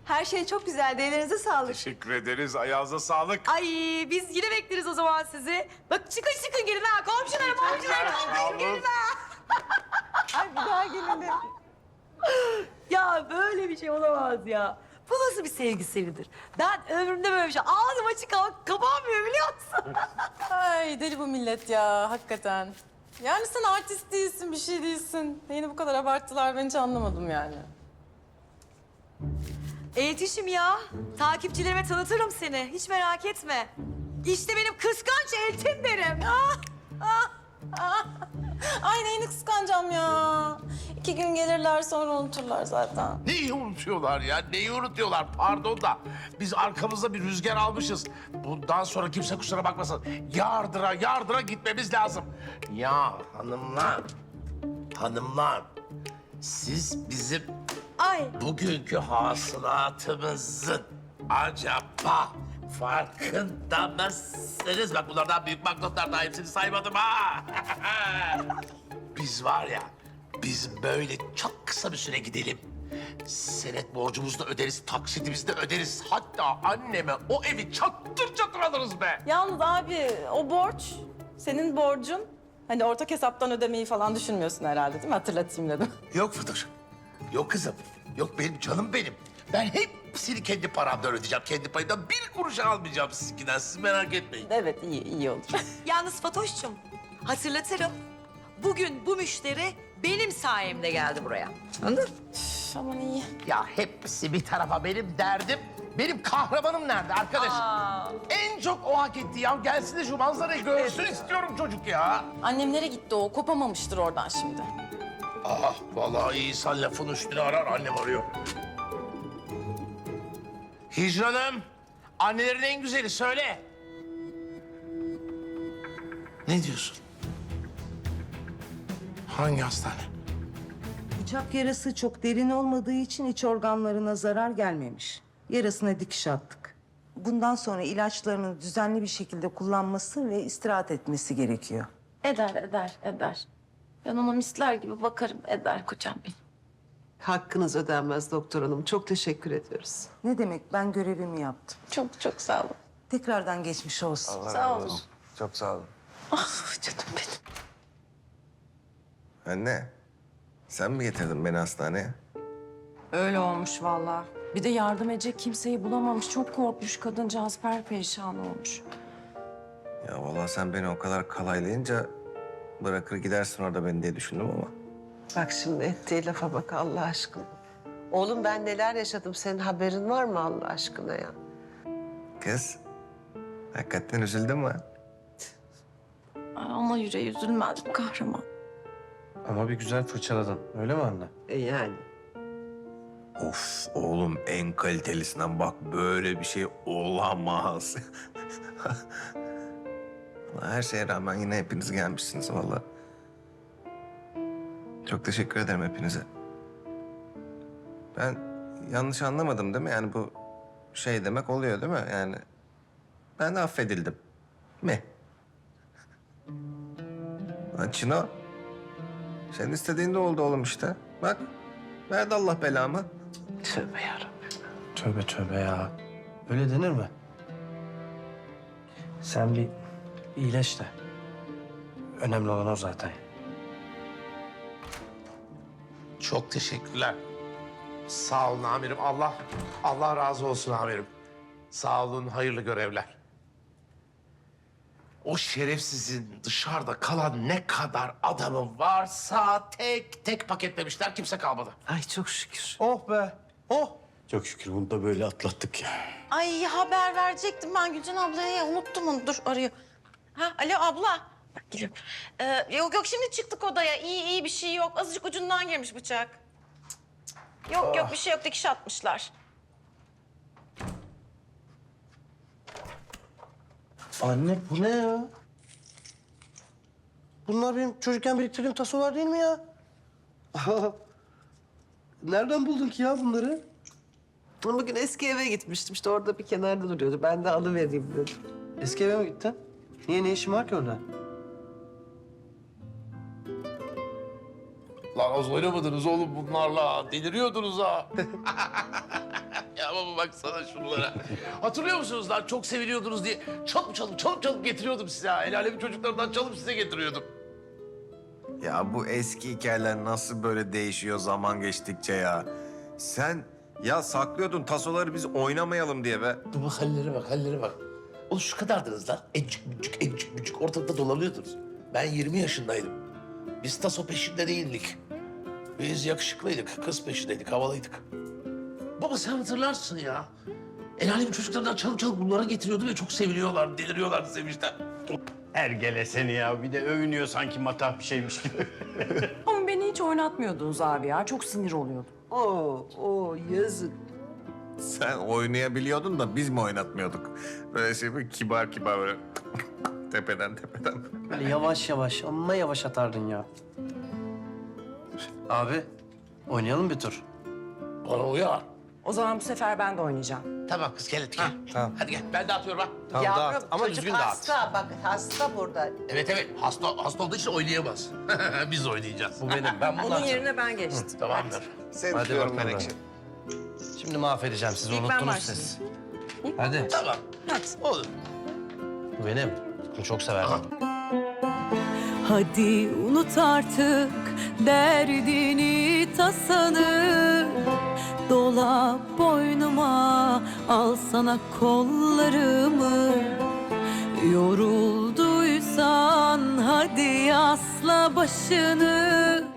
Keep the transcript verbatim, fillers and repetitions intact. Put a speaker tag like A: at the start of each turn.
A: Her şey çok güzeldi. Ellerinize sağlık.
B: Teşekkür ederiz. Ayağınıza sağlık.
C: Ay biz yine bekleriz o zaman sizi. Bak çıkın çıkın gelin ha. Komşularım komşularım.
B: Sağ olun.
C: Gelin ha.
A: Ay bir daha gelelim.
C: Ya böyle bir şey olamaz ya. Bu nasıl bir sevgisidir? Ben ömrümde böyle bir şey ağzım açık kal- kapanmıyor biliyor musun?
D: Ay deli bu millet ya hakikaten. Yani sen artist değilsin, bir şey değilsin. Neyini bu kadar abarttılar ben hiç anlamadım yani.
C: Eltişim ya. Takipçilerime tanıtırım seni. Hiç merak etme. İşte benim kıskanç eltim derim. Ah, ah, ah.
D: Ay neyini kıskanacağım ya. İki gün gelirler sonra unuturlar zaten.
B: Neyi unutuyorlar ya? Neyi unutuyorlar? Pardon da biz arkamızda bir rüzgar almışız. Bundan sonra kimse kusura bakmasın. Yardıra yardıra gitmemiz lazım. Ya hanımlar, hanımlar. Siz bizim
C: Ay.
B: bugünkü hasılatımızın acaba farkında mısınız? Bak bunlardan büyük banknotlar daha hepsini saymadım ha. Biz var ya, biz böyle çok kısa bir süre gidelim. Senet borcumuzu da öderiz, taksitimizi de öderiz. Hatta anneme o evi çattır çatır alırız be.
D: Yalnız abi o borç, senin borcun. Hani ortak hesaptan ödemeyi falan düşünmüyorsun herhalde değil mi? Hatırlatayım dedim.
B: Yok Fıdır, yok kızım, yok benim canım benim. Ben hepsini kendi paramdan ödeyeceğim, kendi payımdan bir kuruş almayacağım sizinkinden. Siz merak etmeyin.
D: Evet iyi, iyi olur.
C: Yalnız Fatoş'cum hatırlatırım. Bugün bu müşteri benim sayemde geldi buraya. Anladın?
D: Üf, aman iyi.
B: Ya hepsi bir tarafa benim derdim. Benim kahramanım nerede arkadaş?
C: Aa.
B: En çok o hak etti ya. Gelsin de şu manzarayı görsün istiyorum çocuk ya.
D: Annemlere gitti o, kopamamıştır oradan şimdi.
B: Ah vallahi iyi insan lafın üstüne arar, annem arıyor. Hicranım, annelerin en güzeli söyle. Ne diyorsun? Hangi hastane?
E: Bıçak yarası çok derin olmadığı için iç organlarına zarar gelmemiş. Yarasına dikiş attık. Bundan sonra ilaçlarını düzenli bir şekilde kullanması ve istirahat etmesi gerekiyor.
D: Eder, eder, eder. Ben ona misler gibi bakarım, eder kocam benim.
F: Hakkınız ödenmez doktor hanım. Çok teşekkür ediyoruz.
E: Ne demek, ben görevimi yaptım.
D: Çok çok sağ olun.
E: Tekrardan geçmiş olsun.
D: Sağ olun.
G: Çok sağ olun.
D: Ah canım benim.
G: Anne, sen mi getirdin beni hastaneye?
H: Öyle olmuş vallahi. Bir de yardım edecek kimseyi bulamamış. Çok korkmuş kadıncağız, perperişan olmuş.
G: Ya vallahi sen beni o kadar kalaylayınca bırakır gidersin orada beni diye düşündüm ama.
F: Bak şimdi ettiği lafa bak Allah aşkına. Oğlum ben neler yaşadım. Senin haberin var mı Allah aşkına ya?
G: Kız, hakikaten üzüldün mü?
D: Ay, ana yüreği üzülmez bu kahraman.
I: Ama bir güzel fırçaladın. Öyle mi anne?
F: E yani.
G: Of oğlum en kalitelisinden bak böyle bir şey olamaz. Her şeye rağmen yine hepiniz gelmişsiniz vallahi. Çok teşekkür ederim hepinize. Ben yanlış anlamadım değil mi? Yani bu şey demek oluyor değil mi? Yani ben de affedildim. Mi? Lan Çino, senin istediğin de oldu oğlum işte. Bak, verdi Allah belamı.
F: Tövbe yarabbim.
I: Tövbe tövbe ya. Öyle denir mi? Sen bir iyileş de. Önemli olan o zaten.
B: Çok teşekkürler. Sağ olun amirim. Allah Allah razı olsun amirim. Sağ olun, hayırlı görevler. O şerefsizin dışarıda kalan ne kadar adamı varsa tek tek paketlemişler, kimse kalmadı.
F: Ay çok şükür.
I: Oh be. Oh. Çok şükür bunu da böyle atlattık ya.
D: Ay haber verecektim ben Gülcan ablaya. Unuttum onu. Dur arıyor. Ha alo abla. Bak geliyorum. Ee, yok yok şimdi çıktık odaya. İyi iyi bir şey yok. Azıcık ucundan girmiş bıçak. Cık, cık. Yok yok bir şey yok. Dikiş atmışlar.
I: Anne bu ne ya? Bunlar benim çocukken biriktirdiğim tasolar değil mi ya? Nereden buldun ki ya bunları?
F: Bugün eski eve gitmiştim. İşte orada bir kenarda duruyordu. Ben de alıvereyim dedim.
I: Eski eve mi gittin? Niye, ne işin var ki orada?
B: Lan az oynamadınız oğlum bunlarla. Deliriyordunuz ha. Ya baba baksana şunlara. Hatırlıyor musunuz lan çok seviliyordunuz diye çalıp çalıp çalıp çalıp getiriyordum size ha. El alemin çocuklarından çalıp size getiriyordum.
G: Ya bu eski hikayeler nasıl böyle değişiyor zaman geçtikçe ya? Sen ya saklıyordun tasoları biz oynamayalım diye be.
B: Dur bak hallere bak hallere bak. Oğlum şu kadardınız lan. Encik bücük encik bücük ortalıkta dolanıyordunuz. Ben yirmi yaşındaydım. Biz taso peşinde değildik. Biz yakışıklıydık, kız peşindeydik, havalıydık. Baba sen hatırlarsın ya. El alemin çocuklarından çalıp çalıp bunlara getiriyordu ve çok seviliyorlardı, deliriyorlardı sevinçten.
I: Ergele seni ya. Bir de övünüyor sanki matah bir şeymiş gibi.
H: Ama beni hiç oynatmıyordunuz abi ya. Çok sinir oluyordum.
F: Oo, oo yazık.
G: Sen oynayabiliyordun da biz mi oynatmıyorduk? Böyle şey böyle kibar kibar böyle tepeden tepeden.
I: Böyle yavaş yavaş, amma yavaş atardın ya. Abi, oynayalım bir tur.
B: Bana uyar.
H: O zaman bu sefer ben de oynayacağım.
B: Tamam kız gel hadi gel.
I: tamam.
B: Hadi gel ben dağıtıyorum ha.
I: Tamam
F: Yavrum,
I: dağıt ama
F: çocuk
I: düzgün dağıt.
F: hasta bak hasta burada.
B: Evet evet hasta, hasta olduğu için oynayamaz. Biz oynayacağız.
I: Bu benim, ben bunu
H: Onun
I: atacağım.
H: yerine ben geçtim.
B: Tamamdır.
G: Seni
I: Hadi
G: tutuyorum
I: bakalım.
G: Menekşe.
I: Şimdi mahvedeceğim sizi,
H: İlk ben
I: unuttunuz
H: başlayayım.
I: siz. Hadi,
B: Tamam. Olur.
I: bu benim. Bunu çok severdim.
J: Hadi unut artık derdini tasanı. Dola boynuma, al sana kollarımı. Yorulduysan hadi asla başını.